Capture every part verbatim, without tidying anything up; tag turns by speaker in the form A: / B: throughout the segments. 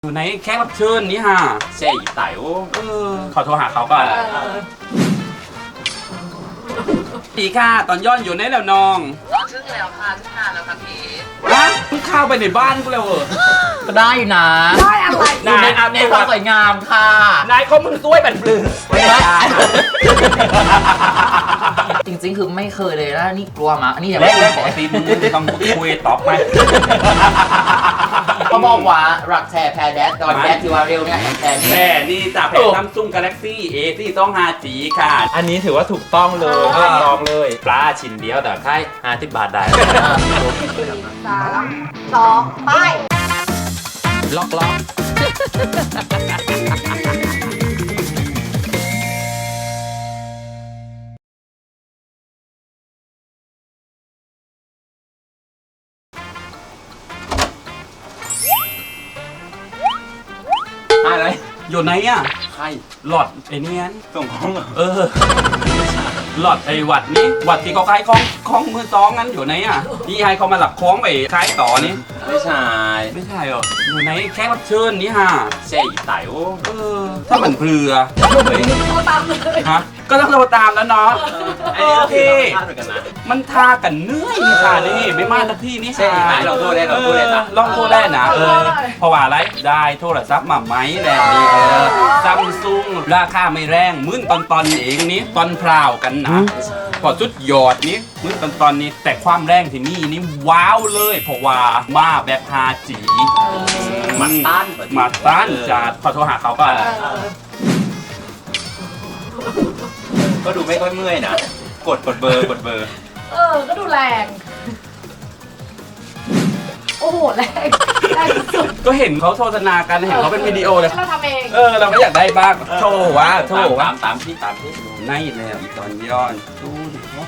A: อยู่ในแขกรับเชิญนี่ฮะเจ๊ไต่โอ้เออขอโทรหาเขาก่อนดีค่ะตอนย้อนอยู่ในแล้วน้อง
B: ตอนทึ่งแล้วค่ะทึ่งนานแล้วค่ะพี่
A: ฮะมึงเข้าไปในบ้านกูแล้วเหรอ
C: ก็ได้อยู่นะ
B: ได้อะไร
C: อยู่ในในความสวยงามค่ะ
A: นายเขามึงซวยบันปลือไม่ได้
C: จริงๆคือไม่เคยเลยนะนี่กลัวมาอันนี้อย่า
A: แร
C: ไม่
A: กๆปกติมึงต้องคุยตอบไหม
C: เขาบอกว่ารักแท้แพ้แดดตอนแดดที่ว่าเร็วเนี่ยแพ้
A: แม่นี่จากแผ่นซัมซุงกาแล็กซี่เอที่ต้องห้าจีค่ะ
D: อันนี้ถือว่าถูกต้องเลยลองเลยปลาชิ้นเดียวแต่ค่ายห้าสิบบาทได้
B: สามสองไป
D: ล็อกล็อกอะไร
A: อยู่ไหนอ่ะ
D: ใคร
A: หลอดไอ้เนี้ย
D: ส่งของ
A: เออหลอดไอ้วัดนี้วัดที่เขาขายของของมือสองนั้นอยู่ไหนอ่ะที่ให้เขามาหลักคล้องไปขายต่อนี่
D: ไม่ใช่
A: ไม่ใช่เหรออยู่ไหนแขกรับเชิญนี่ฮะ
D: เจ๊ไต่โอ้
A: เออถ้าเหมือนเปลือ
B: โทรตามเลย
A: ฮะก็ต้องโทรตามแล้วเนาะโอเคมันทากันเนื้อนี่ค่ะนี่ไม่มาสักที่นี่ค่ะ
D: ลองโทรได้ลองโทรได้นะ
A: ลองโทรได้นะเออเพราะว่าอะไรได้โทรศัพท์มาไหมแน่นี่เออซัมซุงราคาไม่แรงมื้นตอนตอนเองนี้ตอนพราวกันนะพอจุดยอดนี้มื้นตอนตอนนี้แต่ความแรงที่นี่นี่ว้าวเลยเพราะว่ามาแบบฮาจี
D: มาต้าน
A: มาต้านจัดขอโทรหาเขาก่อน
D: ก็ดูไม่ค่อยเมื่อยนะกดกดเบอร์กดเบอร์
B: เออก็ดูแรงโอ้โหแรงแรงสุด
A: ก็เห็นเขาโฆษณากันเห็นเขาเป็นวิดีโอเลย
B: เราทำเอง
A: เออเราก็อยากได้บ้างโชว์ว่าโชว์ว่า
D: ตามตามที่ตามที่
A: ในแล้วอีกตอนย้อนดูดิครับ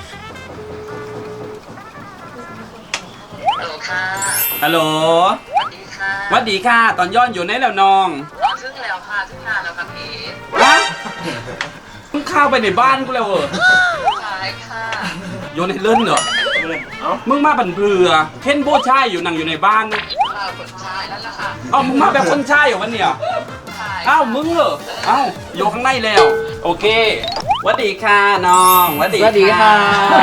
B: ฮัลโหลค่ะ
A: ฮัลโหล
B: สวัสดีค่ะ
A: สวัสดีค่ะตอนย้อนอยู่ในแล้วน้อง
B: ตอนทึ่งแล้วค่ะทึ่งนานแล้วค่ะพี่
A: ฮะมึงเข้าไปในบ้านกูแล้วเหรอ
B: ใช่ค่ะ
A: โยนในเล่นเหรอมึงมาบันเบือเค้นโบช่ายอยู่นั่งอยู่ในบ้านนะ
B: คนชายนั่นแหละค่ะ
A: เอ้ามึงมาแบบคนช่ายเหรอวันเนี้ยเอ้ามึงเหรอเอ้าอยู่ข้างในแล้วโอเคสวัสดีค่ะน้องสวัสดี
C: สวัสดีค่ะ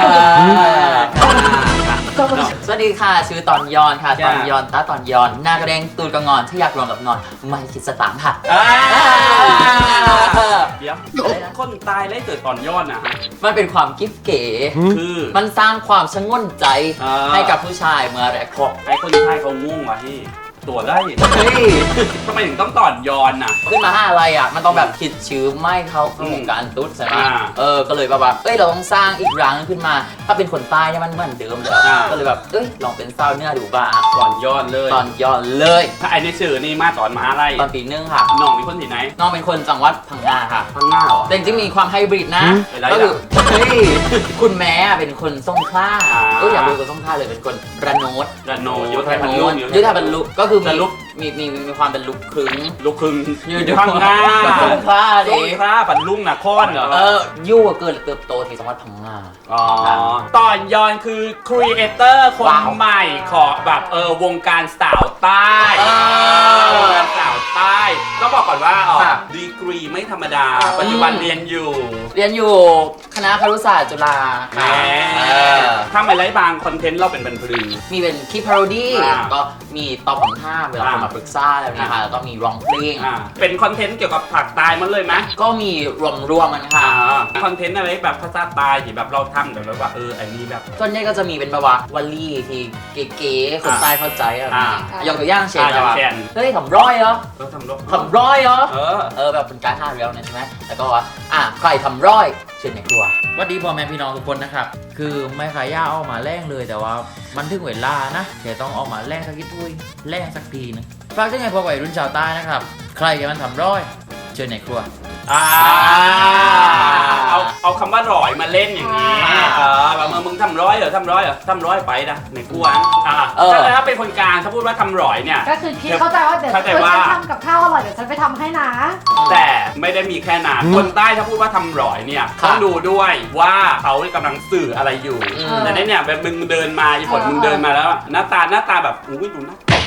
C: สวัสดีค่ะชื่อตอนยอนค่ะตอนยอนตาตอนยอนหน้ากระเด้งตูดกระงอนที่อยากรวมกับนอนไม่คิดสตางค์ค่ะ
A: เดี๋ยวคนตายแล้วเกิดตอนย้อนนะฮะ
C: มันเป็นความกิ๊บเก๋
A: คือ
C: มันสร้างความชงนใจให้กับผู้ชายเมื่อแรกพบ
A: ไอ้คนชายเขาง่วงว่ะที่ตัวได้ทำไมถึงต้องตอนย้อนน่ะ
C: ขึ้นมาห้าอะไรอ่ะมันต้องแบบคิดชื่อไม่เขาเข้าวงการตุ๊ดใช่ไหมเออก็เลยแบบว่าเอ้ยเราต้องสร้างอีกรังขึ้นมาถ้าเป็นคนใต้เนี่ยมันเหมือนเดิมเลยก็เลยแบบเอ้ยลองเป็นเศร้าเนื้อดูบ้าง
A: ตอนย้อนเลย
C: ตอนย้อนเลย
A: ถ้าไอ้ในสื่อนี่มาตอนมาอะไร
C: ตอนปีนึงค่ะ
A: น้องเป็นคนที่ไหน
C: น้องเป็นคนจังหวัดพังงาค่ะ
A: พังงาเหรอ
C: แต่จริงๆมีความไฮบริดนะก็คือเฮ้ยคุณแม่เป็นคนสงขลาก็อยากดูคนสงขลาเลยเป็นคนระโนด
A: ระโนดยุทธบรรลุ
C: ยุทธบรรลุก็คือมีมีมีมีความเป็นลุกครึ่ง
A: ลุกครึ่ง
C: อยู่พังงาสงขลาดิ
A: สงขลาบรรลุนะค้อนเหรอ
C: เออยู่เกิดเติบโตที่จังหวัดพังงา
A: อ๋อตอนย้อนคือครีเอเตอร์คนใหม่ของแบบเออวงการสาวใต้สาวใต้ต้องบอกก่อนว่าอ๋อดีกรีไม่ธรรมดาปัจจุบันเรียนอยู่
C: เรียนอยู่คณะครุศาสตร์จุฬา
A: ค่ะถ้าไม่ไร้บางคอนเทนต์เราเป็นบันพลือ
C: มีเป็นคลิปพาโรดี้ก็มีตอบคำถามเวลาคนมาปรึกษาแล้วนะคะแล้วก็มีร้องเพลง
A: เป็นคอนเทนต์เกี่ยวกับผักตายมันเลยไหม
C: ก็มีรวมรวมมันค่ะ
A: คอนเทนต์อะไรแบบภาษาตายที่แบบเราทำแต่แบบว่าเอออันนี้แบบ
C: ส่วนใหญ่ก็จะมีเป็นแบบว่าวลีที่เก๋ๆคนใต้เข้าใจอะไรยกตัวอย่างเช่นแบบว่าเฮ้ยทำร้อยเหรอ
A: ทำร้อย
C: ทำร้อยเหรอ
A: เออ
C: เออแบบเป็นการท่าเรือนะใช่ไหมแล้วก็ว่าอ่ะใครทำร้อยเช่นในครัว
D: สวัสดีพ่อแม่พี่น้องทุกคนนะครับคือไม่ขายย่าออกมาแรงเลยแต่ว่ามันถึงเวลานะแค่ต้องออกมาแรงสักทีแรงสักทีนึงฝากถึงไงพวกวัยรุ่นชาวใต้นะครับใครจะมันทำร้อยเชิญในครัว
A: อ่าเอาเอาคำว่าร้อยมาเล่นอย่างนี้เออแบบมึงทำร้อยเหรอทำร้อยเหรอทำร้อยไปนะในครัวอ่าถ้าเป็นคนกลางถ้าพูดว่าทำร้อยเนี่ย
B: ก็คือคิดเข้าใจว่าเดี๋ยวฉันทำกับข้าวอร่อยเดี๋ยวฉันไปทำให้นะ
A: แต่ไม่ได้มีแค่นั้นคนใต้ถ้าพูดว่าทำร้อยเนี่ยต้องดูด้วยว่าเขากำลังสื่ออะไรอยู่แต่เนี่ยแบบมึงเดินมาอีผลมึงเดินมาแล้วหน้าตาหน้าตาแบบอุ้ยดูนะ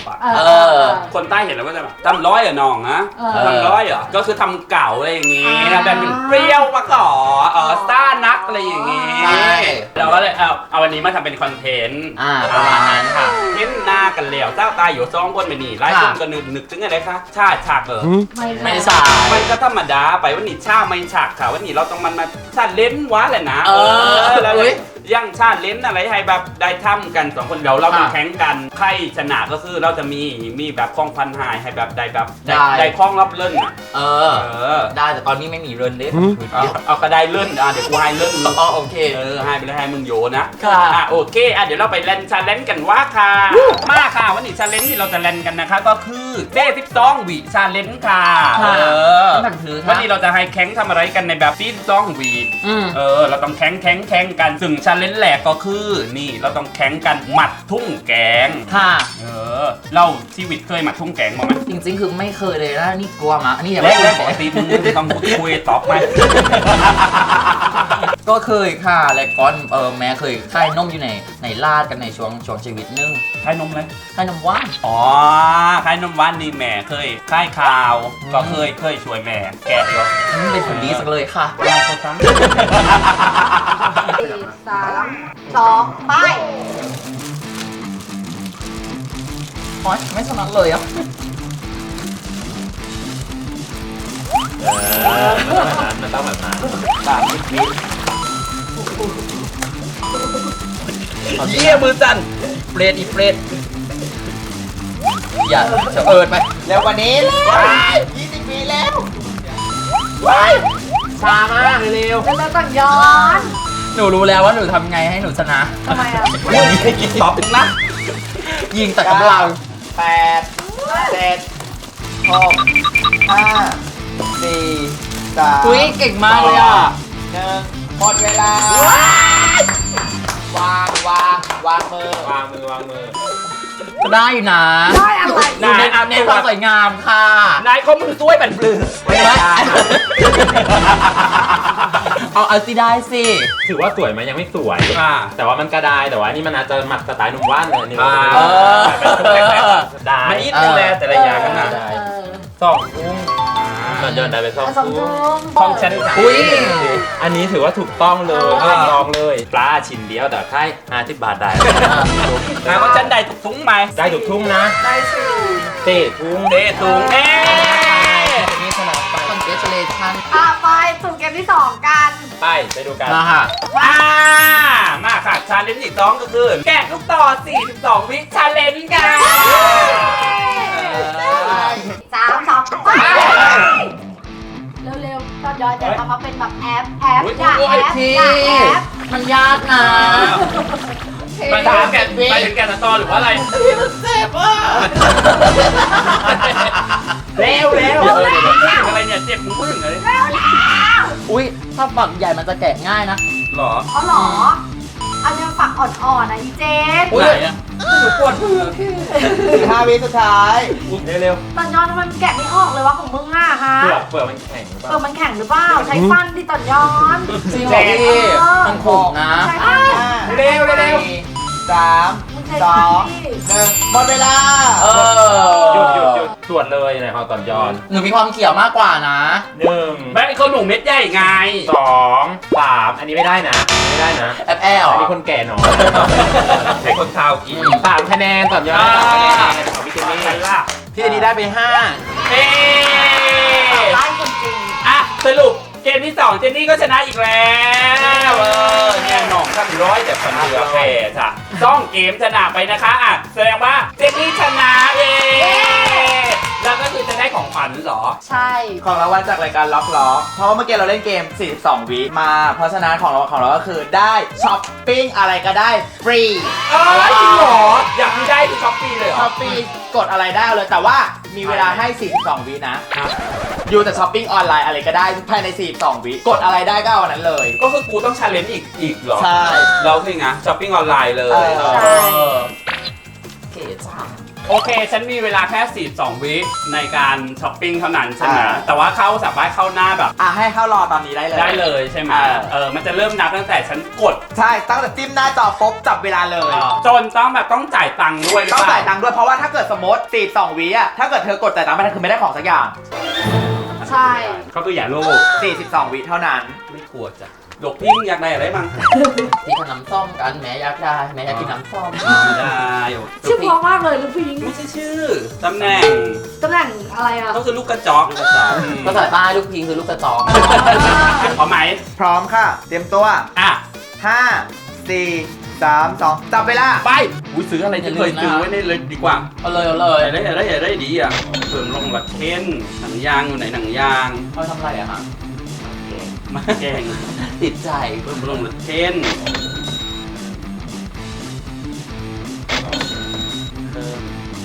A: อ่ะ
B: เออ
C: เออ
A: คนใต้เห็นแล้วก็จะแบบทำร้อยเหรอน้องนะ
B: เออ
A: ทำร้อยเหรอก็คือทำเก่าอะไรอย่างงี้
B: อ่า
A: แบบเป็นเปรี้ยวมาก่อเออซ่านักอะไรอย่างงี้
C: ใช่
A: เราก็เลยเอาเอาวันนี้มาทำเป็นคอนเทนต์
C: อ่าประมาณนั้นค่ะ
A: เห็นหน้ากันแล้วเจ้าตายอยู่สองคนไปนี่หลายคนก็นึกนึกถึงอะไรคะชาติฉากเออ
B: ไม่
C: ไม่
B: ได้
C: ใช่
A: มันก็ธรรมดาไปวันนี้ชาไม่ฉากค่ะวันนี้เราต้องมันมาชาเล่นวะแหละนะ
C: เออ
A: แล้ว
C: เฮ้ย
A: ยังชาเล่นอะไรให้แบบได้ทำกันสองคนเดี๋ยวเราจะแข่งกันใครชนะก็คือเราจะมีมีแบบคล้องพันหายให้แบบได้แบบได้ได้คล้องรับเล่นอ่ะ
C: เอ
A: เอ
C: อ
A: อ
C: ได้แต่ตอนนี้ไม่มีเรือนเล็ก
A: เอาเอาก็ได้เล่นอ่ะเดี๋ยวกูให้เล่น
C: อ๋อโอเค
A: เออให้ไปเลยให้มึงโยนะ
C: ค่ะ
A: อ่ะโอเคอ่ะเดี๋ยวเราไปเล่นชาเลนจ์กันว่าค่ะมาค่ะวันนี้ชาเลนจ์ที่เราจะเล่นกันนะคะก็คือเด้สิบสองวิชาเลนจ์ค่ะ
C: ค่ะ
A: เออ
C: หนังถือ
A: วันนี้เราจะให้แข่งทำอะไรกันในแบบซีสิบสองวิ
C: อืม
A: เออเราต้องแข่งแข่งแข่งกันซึ่งชาเลนจ์แรกก็คือนี่เราต้องแข่งกันหมัดทุ่งแกง
C: ค่ะ
A: เออเราชีวิตเคยหมัดทุ่งแกงมาไหม
C: จริงๆ คือไม่เคยเลยนะนี่กลัวมากอันนี้อย่า
A: แร
C: ไม่
A: ก
C: เค
A: แร
C: ย
A: กปกติมึงต้องคุยตอบไหม
C: ก็เคยค่ะ และก้อนเออแม่เคยค่ายนมอยู่ในในลาดกันในช่วงช่วงชีวิตนึง
A: ค่ายนมเลย
C: ค่ายนมว่าน
A: อ๋อค่ายนมหวานนี่แม่เคยค่ายข่าว ก็เคยเคยช่วยแม่แกะอยู่
C: อืมเป็นผลดีสักเลยค่ะ
A: เราเขาซ้ำ
B: สี่สามสองไป
C: อ๋อไม่ถนัดเลยอ่ะ
D: มันต้องแบบนั้น
A: สามสิบวิ
C: เยี่ยมือสั่นเปรตอีเปรตอย่าเฉเอิดไปเร็วกว่านี้ยี่สิบปีแล้วช้ามากเร็ว
B: เป็นแล้วต้องย้อน
C: หนูรู้แล้วว่าหนูทำไงให้หนูชนะ
B: ทำไมอ่ะ
A: ตอบนะ
C: ยิงแต่กำลัง
E: แปดเจ็ดหกห้าสี่สาม
C: อุ้ยเก่งมากเลยอ่ะ
E: หนึ่งหมดเวลา วางวางวางมือ
D: วางมือวางมือ
C: ก็ได้อยู่นะ
B: ได้อะไร
C: หนูเน้นเน้นความสวยงามค่ะ
A: นายเขามือซ้วยบันปลือ
C: ไม่เอาเอาสิได้สิ
D: ถือว่าสวยไหมยังไม่สวย
A: อ่า
D: แต่ว่ามันก็ได้แต่ว่านี่มันอาจจะหมัดสไตล์หนุ่มว่านเลยนี่
A: อ่า
C: เออ
D: ได้
A: มันอีทเป็นแลแต่ละอย่างกันนะ
C: ได้
B: เออ
D: สองทุ่งตอนย้อนได้ไปสอง
B: สอง
D: ทุ่
B: ทุ่
D: ง
B: ม
A: ของฉัน
C: อุ้ย
D: อันนี้ถือว่าถูกต้องเลย
B: อ่า
D: ลองเลยปลาชิ้นเดียวแต่ค่ายห้าสิบบาทได้
A: นายว่าฉันได้ทุกทุงไหม
D: ได้ถูกทุ่งนะ
B: ได้สิ
D: เตะทุ่ง
A: เดทุงเอ๊
C: นี่ชนะไป congratulation
B: อ่ะไปสู่เกมที่สองกัน
D: ไปไปดูกัน
C: มาค่ะ
A: อ่ามาค่ะชาเลนจ์ที่สองก็คือแกะลูกต่อสี่สิบสองวิชาเลนจ์กัน
B: สามสองไปเร็วๆตอนย้อนจะทำมาเป็นแบบแอปแอปอย่าแอปอย่าแอป
C: มันยากนะ
A: ไปถึงแกะไปถึงแกะตอนหรือว่าอะไร เร็วเร็วอะไรเนี่ยเจ็บมึงพึ่งเลย
C: อุ้ยถ้าฝักใหญ่มันจะแกะง่ายนะ
A: หรอ
B: เขาหรอ อันนี้ฝักอ่อนๆนะอีเจน
A: ไหนอ่ะปวดมือ
E: สิบห้าวิสุดท้าย
D: เร็ว
B: ตอนย้อนมันแกะไม่ออกเลยว่าของมึงอ่ะฮะ
D: ๆเปลือกเปลือกมันแข็งหรือเป
B: เอ
D: ล่า
B: อมันแข็งหรือเปล่า ใช้ฟันที่ตอนย้อน
C: จริงเหรอพี่มันขมนะ
B: ใช้ฟัน
E: ห้า
A: เร็วเร็ว
E: สี่สาม
B: มึงใช้
E: ส
B: ฟั
E: อน ง
B: ที่
E: หนึ่งหมดเวลา
C: เอ
D: หยุดหยุด
C: อ
D: หยุดตรวจเลยในหอตอนย้อน
C: หนูมีความเขียวมากกว่านะ
D: หนึ่ง
A: แม่เขาหนุ่มเม็ดใหญ่ไง
D: สองสามอันนี้ไม่ได้นะไม่ได้นะ
C: แอบแอล
D: อันนี้คนแก่หนอย
A: ให้คนข่าวกิน
D: สามคะแนนตอนย้อน
A: อ่า
D: สามคะแนนของพี่เจนนี่
A: ใครล่ะ
E: พี่อันนี้ได้ไปห้า
A: เอ๊
B: ไล่คนจริง
A: อ่ะสรุปเกมที่สองเจนนี่ก็ชนะอีกแล้วเออเนี่ยหน่องทั้งร้อยแต่คนเรือแพ้จ้ะต้องเกมชนะไปนะคะอ่ะแสดงว่าเจนนี่ชนะเองแล้วก็คือจะได้ของขวัญเหรอ
B: ใช่
E: ของรางวัลจากรายการล็อกล็อกเพราะว่าเมื่อกี้เราเล่นเกม สี่สิบสอง วิมา เพราะฉะนั้นของเราของเราก็คือได้ช้อปปิ้งอะไรก็ได้ฟรี
A: เอ้ยจริงเหรอ อยากมีได้คือช้อปปี้เลยเหรอ
E: ช้อปปี้กดอะไรได้เอาเลยแต่ว่ามีเวลาให้ สี่สิบสอง วินะ
A: ครับ
E: อยู่แต่ช้อปปิ้งออนไลน์อะไรก็ได้ภายใน สี่สิบสอง วิกดอะไรได้ก็เอาอันนั้นเลย
A: ก็คือกูต้องชาเลนจ์อีกอีกเหรอ
E: ใช่
A: เราคือไงช้อปปิ้งออนไลน์เลย
E: เออ
A: เออ
B: ใช่
C: เก๋จัง
A: โอเค ฉันมีเวลาแค่สี่สิบสองวิในการช้อปปิ้งเท่านั้นใช่ไหม
E: อ่า
A: แต่ว่าเข้าสามารถเข้าหน้าแบบ
E: อ่ะให้เข้ารอตอนนี้ได้เลย
A: ได้เลยใช่ไหม
E: อ่า
A: เออ มันจะเริ่มนับตั้งแต่ฉันกด
E: ใช่ตั้งแต่จิ้มหน้าจอปุ๊บจับเวลาเลย
A: จนต้องแบบต้องจ่ายตังค์ด้วยหรือ
E: ต้อง
A: เปล่า
E: จ่ายตังค์ด้วยเพราะว่าถ้าเกิดสมมติสี่สิบสองวิอ่ะถ้าเกิดเธอกดจ่ายตังค์ไม่ทันคือไม่ได้ของสักอย่าง
B: ใช่
A: เขาคืออย่าโลภ
E: สี่สิบสองวิเท่านั้น
A: ไม่กลัวจ้ะหลบพิงอยากได้อะไรบ้าง
C: ที่ขนมส้มกันแม่อยากได้แม่อยากกินน้ำส้ม
A: ไม่ได้โอ้
B: ชื่อเพราะมากเลยลูกผู้หญิง
A: ไม่ใช่ชื่อตำแหน่ง
B: ตำแหน่งอะไรอ่ะ
A: ก็คือลูกกระจอกลูกกระจอก
C: ภาษาใต้ลูกพิงคือลูกกระจอก
A: พอไหม
E: พร้อมค่ะ เตรียมตัว
A: อ่ะ
E: ห้า สี่ สาม สองจับเวลา
A: ไปอุ้ยซื้ออะไรที่เคยซื้อไว้ในเลยดีกว่า
C: เอาเลยเอาเล
A: อย ย่าได้อย่าได้อย่าได้ดีอ่ะเพิ่มลงหลักเค้นหนังยางอยู่ไหนหนังยาง
C: เขาทำอะไรอะฮะ
A: มาแกง
C: ติดใจ
A: เพิ่มลงหลักเค้นเพิ่ม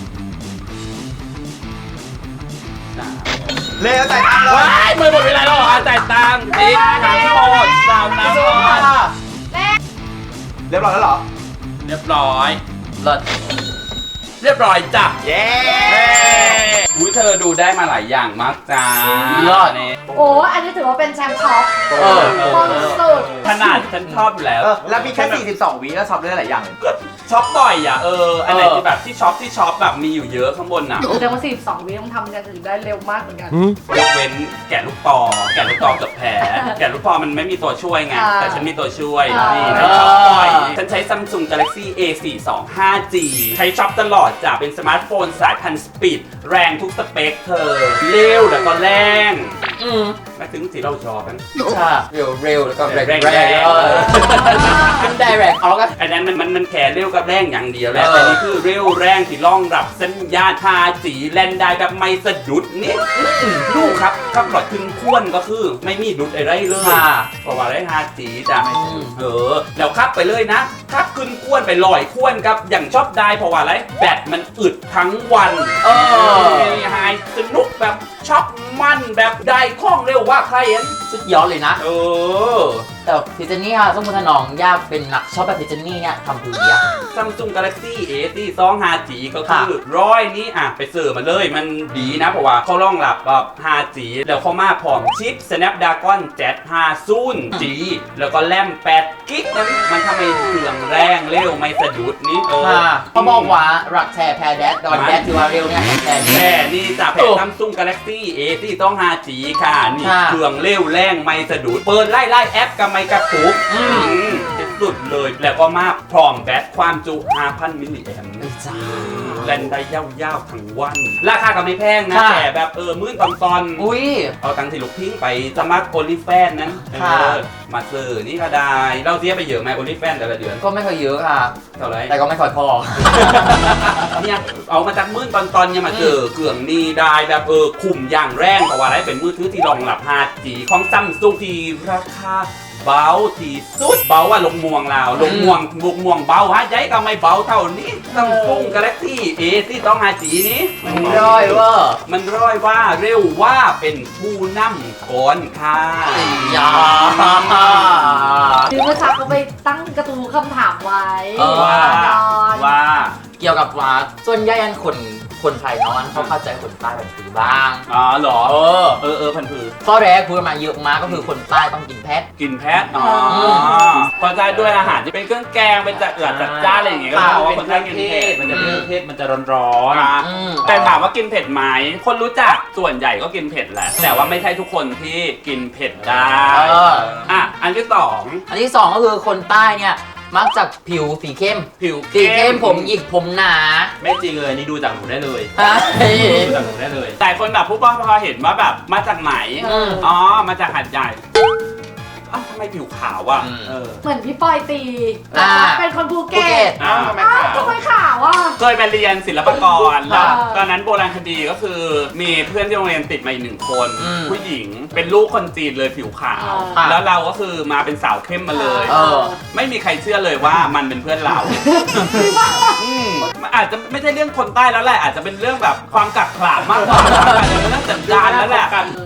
A: สาม
E: เร็วจ่ายตังค์เลย
A: ว้ายมือหมดเวลาแล้วเหรออ่ะจ่ายตังค์ติ๊กน้ำหมดสาวน้ำหมด
E: เรียบร้อยแล้วเหรอ
A: เรียบร้อย
C: เลิศ
A: เรียบร้อยจ้ะ
E: เย้
A: อุ้ยเธอดูได้มาหลายอย่างมากจ้า
C: เลิศ
A: นี่
B: โอ้อันนี้ถือว่าเป็นแชมป์ช็อป
C: เออ
B: ต้นสุด
A: ขนาดฉันชอบอยู่แล้ว
E: เออแล้วมีแค่สี่สิบสองวิแล้วช็อปได้หลายอย่างเลย
A: ก็ช็อปบ่อยอ่ะเอออันไหน
C: เออ
A: ที่แบบที่ช็อปที่ช็อปแบบมีอยู่เยอะข้างบนอ่ะ
B: แสดงว่าสี่สิบสองวิต้องทำกันถึงได้เร็วมากเหมือนกัน
A: ยกเว้นแกะลูกปอแกะลูกปอเกับแผลแกะลูกปอมันไม่มีตัวช่วยไง
B: อ่า
A: แต่ฉันมีตัวช่วย
B: อ่านี่
A: นี่ฉันช็อปบ่อยฉันใช้ Samsung Galaxy เอ สี่สองห้าจี ใช้ช็อปตลอดจ้ะเป็นสมาร์ทโฟนสายพันธุ์สปีดแรงทุกสเปคเธอเร็วแล้วก็แรง
C: อืม
A: ไม่ถึงสีเราชอบกัน
C: ใช่เร็วเร็วแล้วก็แรง
A: แรง
C: แรงเออเป็นไดเรกออกกัน
A: อันนั้นมันมันมันแค่เร็วกับแรงอย่างเดียวแหละ
C: เออ
A: แต่นี่คือเร็วแรงที่รองรับสัญญาณ ห้าจี แลนได้แบบไม่สะดุดนี่อื้อลูกครับขับรถถึงควนก็คือไม่มีดุดอะไรเลย
C: ค่ะ
A: เพราะว่าได้ ห้าจี จ้ะ
C: อืม
A: เออแล้วขับไปเลยนะขับขึ้นควนไปลอยควนครับอย่างชอบได้เพราะว่าอะไรแบตมันอึดทั้งวัน
C: เออ
A: ไฮสนุกแบบชอบมันแบบได้คล่องเร็วว่าใครเห็น
C: สุดยอดเลยนะ
A: เออ
C: แต่พิจนี่ค่ะสมมติถ้าน้องอยากเป็นนักชอบแบบพิจนี่เนี่ยทำคือเดีย
A: Samsung Galaxy เอ สี่สองห้าจี ก็คือร้อยนี้อ่ะไปซื้อมาเลยมันดีนะเพราะว่าเขารองรับแบบ ห้าจี แล้วเขามาพร้อมชิป Snapdragon เจ็ดห้าศูนย์จี แล้วก็แรมแปดกิกะนั้นมันทำให้เครื่องแรงเร็วไม่สะดุดนี่เออ
C: ค่ะเขาบอกว่ารักแชร์แพรแดดดอนแดดที่ว่าเร็วเนี่ยแชร์
A: แค่นี่จากแผ่น Samsung Galaxy เอ สี่สองห้าจี ค่ะนี่
C: ค่ะ
A: เครื่องเร็วแรงไม่สะดุดเปิดไล่ไล่แอปกับไม่กระตุก
C: อืม
A: อืมสุดเลยแล้วก็มาพร้อมแบตความจุ ห้าพัน มิลลิแอมป์
C: จ้า
A: แลนได้ยาวๆทั้งวัน ราคาก็ไม่แพงนะ
C: ค่ะ
A: แต่แบบเออมื้นตอนตอน
C: อุ้ย
A: เอาตังค์ที่ลูกทิ้งไปสมัครโอลิแฟนนั้นเอ
C: ค่ะ
A: อมาซื้อนี่ก็ได้ เราเสียไปเยอะไหมโอลิแฟนแต่ละเดือน
C: ก็ไม่ค่อยเยอะค่ะ
A: เท่าไหร่
C: แต่ก็ไม่ค่อยพอ
A: เนี่ยเอามาจากมื้นตอนตอนๆเนี่ยมาเจอเครื่องนี้ได้แบบเออคุ้มอย่างแรงเพราะว่าอะไรเป็นมือถือที่รองรับ ห้าจี ของซัมซุงที่ราคาเบาที่สุดเบาว่าลงม่วงลาวลงม่วงบุกม่วงเบาฮะยัยก็ไม่เบาเท่านี้ซัมซุงกาแล็กซี่เอที่ต้อง ห้าจี นี้
C: ร้อยเว่า
A: มันร้อยว่าเร็วว่าเป็นผู้นำก่อนค่ะ
C: ยา
B: คือเมื่อเช้าเขาไปตั้งกระตูคำถามไว้
C: เออ
A: ว่า
B: ดอน
A: ว่า
C: เกี่ยวกับว่าส่วนใหญ่อันคนคนไทยเนาะอันเขาเข้าใจคนใต้แบบคือบ้าง
A: อ๋อเหรอ
C: เออ
A: เออเออพันผือ
C: ข้อแรกพูดมาเยอะมากก็คือคนใต้ต้องกินแพท
A: กินแพทอ๋อพอใจด้วยอาหารที่เป็นเครื่องแกงเป็นจัดเอือดจัดจ้านอะไรอย่างเงี้ยก็
C: ค่ะ
A: เพราะว่าคนใต้กินเผ็ด
D: มันจะเปรี้ยวเผ็ดมันจะร้อน
A: อ่ะ
C: อืม
A: แต่ถามว่ากินเผ็ดไหมคนรู้จักส่วนใหญ่ก็กินเผ็ดแหละ แต่ว่าไม่ใช่ทุกคนที่กินเผ็ดได้
C: เออ
A: อ่ะอันที่สอง
C: อันที่สองก็คือคนใต้เนี่ยมักจะผิวสีเข้ม
A: ผิว
C: สีเข้มผมหยิกผมหนา
D: ๆไม่จริงเลยนี่ดูจากหนูได้เลย
C: ฮะ
D: ดูจากหนูได้เลย
A: แต่คนแบบผู้ปกครองเห็นว่าแบบมาจากไหน
C: อืม
A: อ๋อมาจากหัดใหญ่อ้าวทำไมผิวขาวอ่ะ
C: อืม
A: เออ
B: เหมือนพี่ปอยตี
C: อ่า
B: เป็นคนภู
C: ภู
B: เก็
C: เก็
B: ต
C: ต
A: อ้าวทำไม
B: อ้าว
A: ขาว
B: ทำไมขาวอ่ะ
A: เคยไปเรียนศิลปากรแล้ว
B: อ่า
A: ตอนนั้นโบราณคดีก็คือมีเพื่อนที่โรงเรียนติดมาอีกหนึ่งคน
C: อืม
A: ผู้หญิงเป็นลูกคนจีนเลยผิวขาว
C: อ่า
A: แล้วเราก็คือมาเป็นสาวเข้มมาเลย
C: เออ
A: ไม่มีใครเชื่อเลยว่ามันเป็นเพื่อนเราอืมมันอาจจะไม่ใช่เรื่องคนใต้แล้วแหละอาจจะเป็นเรื่องแบบความกักขลาดมากกว่าอาจจะเป็นเรื่องสัญญาณแล้วแหละ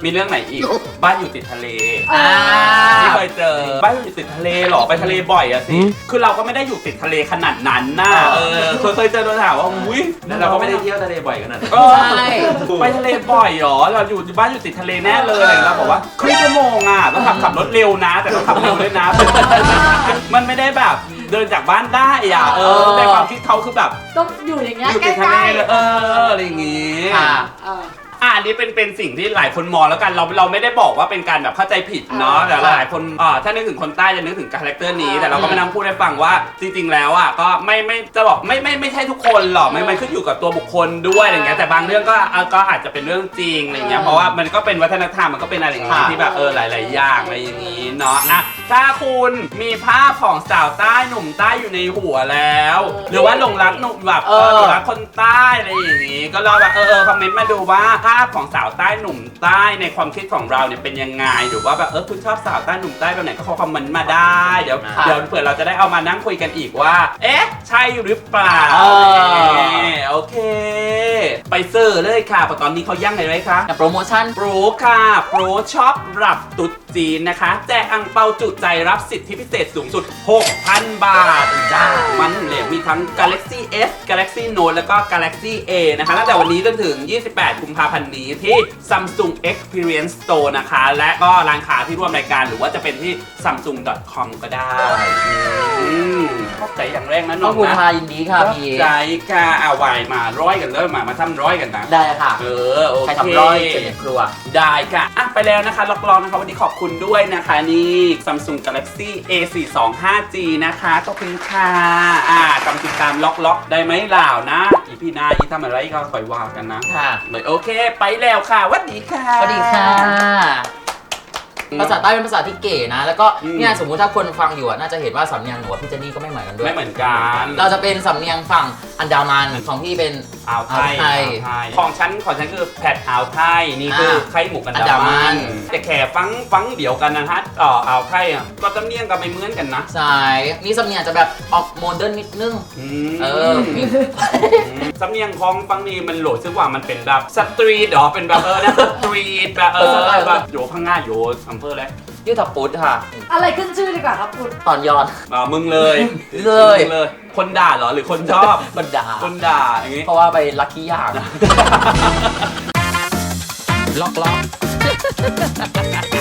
A: มีเรื่องไหนอีก บ้านอยู่ติดทะเล
B: อ่า
A: ที่เคยเจอบ้านอยู่ติดทะเลเหรอไปทะเลบ่อยอะสิคือเราก็ไม่ได้อยู่ติดทะเลขนาดนั้นน่ะเออเคยเคยเจอโดนถามว่าอุ้ย
F: เราก็ไม่ได้เที่ยวทะเลบ่อยขนาดนั้น
A: เออ
C: ใช่
A: ไปทะเลบ่อยเหรอเราอยู่บ้านอยู่ติดทะเลแน่เลยอะไรอย่างเงี้ยเราบอกว่าครึ่งชั่วโมงอ่ะต้องขับขับรถเร็วนะ แต่ต้องขับเร็วด้วยนะ มันไม่ได้แบบเดินจากบ้านได้อ่ะเออในความคิดเขาคือแบบ
B: ต้องอยู่อย่างเงี้ย
A: อยู่
B: ใก
A: ติดทะเล
B: ล้
A: เลยเอออะไรอย่างงี้
C: ค่ะ
B: ๆเออ
A: อ่ะอันนี้เป็นเป็นสิ่งที่หลายคนมองแล้วกันเราเราไม่ได้บอกว่าเป็นการแบบเข้าใจผิดเนาะ
B: อ่า
A: แต่หลายคนอ่าถ้านึกถึงคนใต้จะนึกถึงคาแรคเตอร์นี้
B: อ่า
A: แต่เราก็ไม่นั่งพูดให้ฟังว่าจริง ๆ แล้วอ่ะก็ไม่ไม่จะบอกไม่ไม่ไม่ใช่ทุกคนหรอกมันมันขึ้นอยู่กับตัวบุคคลด้วยอะไรเงี้ยแต่บางเรื่องก็อ่ะก็อาจจะเป็นเรื่องจริงอะไรเงี้ยเพราะว่ามันก็เป็นวัฒนธรรมมันก็เป็นอะไรอย่างงี้ที่แบบเออหลาย ๆ อย่างอะไรอย่างงี้เนาะอ่ะถ้าคุณมีภาพของสาวใต้หนุ่มใต้อยู่ในหัวแล้ว หรือว่าหลงรักหนุ่มแบบเออหลงรักคนใต้อะไรอย่างงี้ก็ลองแบบเออเออคอมเมนต์มาดูว่าภาพของสาวใต้หนุ่มใต้ในความคิดของเราเนี่ยเป็นยังไงหรือว่าแบบเออคุณชอบสาวใต้หนุ่มใต้แบบไหนก็คอมเมนต์มาได้เดี๋ยว
C: ค่ะ
A: เดี๋ยวเผื่อเราจะได้เอามานั่งคุยกันอีกว่า เอ๊ะใช่หรือเปล่า
C: เออ
A: โอเค ไปเซอร์เลยค่ะเพราะตอนนี้เขาย่างอะไรไว้คะ
C: กับโปรโมชั่น
A: โปรค่ะ โปรช็อปรับตุ๊ดจีนนะคะ แจกอังเปาจุใจรับสิทธิพิเศษสูงสุด หกพัน บาทจ้ามันเหลวมีทั้ง Galaxy S Galaxy Note แล้วก็ Galaxy A นะคะตั้งแต่วันนี้จนถึง ยี่สิบแปด กุมภาพันธ์นี้ที่ Samsung Experience Store นะคะ และก็ร้านค้าที่ร่วมรายการหรือว่าจะเป็นที่ ซัมซุง ดอท คอม ก็ได้อืมเข้าใจอย่างแรกนะน้
C: ต้
A: อ
C: อง งคุณ
A: นะ
C: พายินดีค่ะพี่
A: ใจค่ะเอาไวมาร้อยกันเลยมามาทำร้อยกันนะ
C: ได้ค่ะ
A: เออโอเค
C: ใครทำร้อยเสร็จในครัว
A: ได้ค่ะอ่ะ ไปแล้วนะคะล็อกล้อนะคะ วันนี้ขอบคุณด้วยนะคะนี่ Samsung Galaxy เอ สี่สองห้าจี นะคะขอบคุณค่ะอ่ากำติดตามล็อกล็อกได้ไหมล่าวนะ อีพี่นาอีทำอะไรก็คอยว่ากันนะ
C: ค่ะ
A: เลยโอเค ไปแล้วค่ะสวัสดีค่ะ
C: สวัสดีค่ะ ภาษาใต้เป็นภาษาที่เก๋นะ แล้วก็
A: อืม
C: เนี่ยสมมุติถ้าคนฟังอยู่อะน่าจะเห็นว่าสำเนียงหนูกับพี่เจนนี่ก็ไม่เหมือนกันด้วย
A: ไม่เหมือนกัน
C: เราจะเป็นสำเนียงฝั่งอันดามันของพี่เป็น
A: อ่าวไทย
C: อ่าวไทย
A: อ่าวไทยของฉันของฉันคือแผดอ่าวไทยนี่คือไข่หมูกัน
C: อันดามัน
A: แต่แค่ฟังฟังเดียวกันนะฮะอ่ออ่าวไทยอ่ะก็จำเนียงกันไม่เหมือนกันนะ
C: ใช่นี่สำเนียงจะแบบออกโมเดิร์นนิดนึง
A: อืม
C: เออ
A: สำเนียงของฟังนี่มันโหลดซึ่งว่ามันเป็นแบบสตรีทเหรอเป็นแบบเออนะสตรีทแบบเออแบบโยพังงาโยอำเภออะไร
C: ยืดถับปุดค่ะ
B: อะไรขึ้นชื่อดีกว่าครับคุณ
C: ตอนยอน
A: อ่ามึงเลย
C: เลย
A: มึงเลย คนด่าเหรอหรือคนชอบ
C: บันดา
A: คนด่าอย่างงี้
C: เพราะว่าไปลัคกี้อย่าง
D: ล็อกล็อก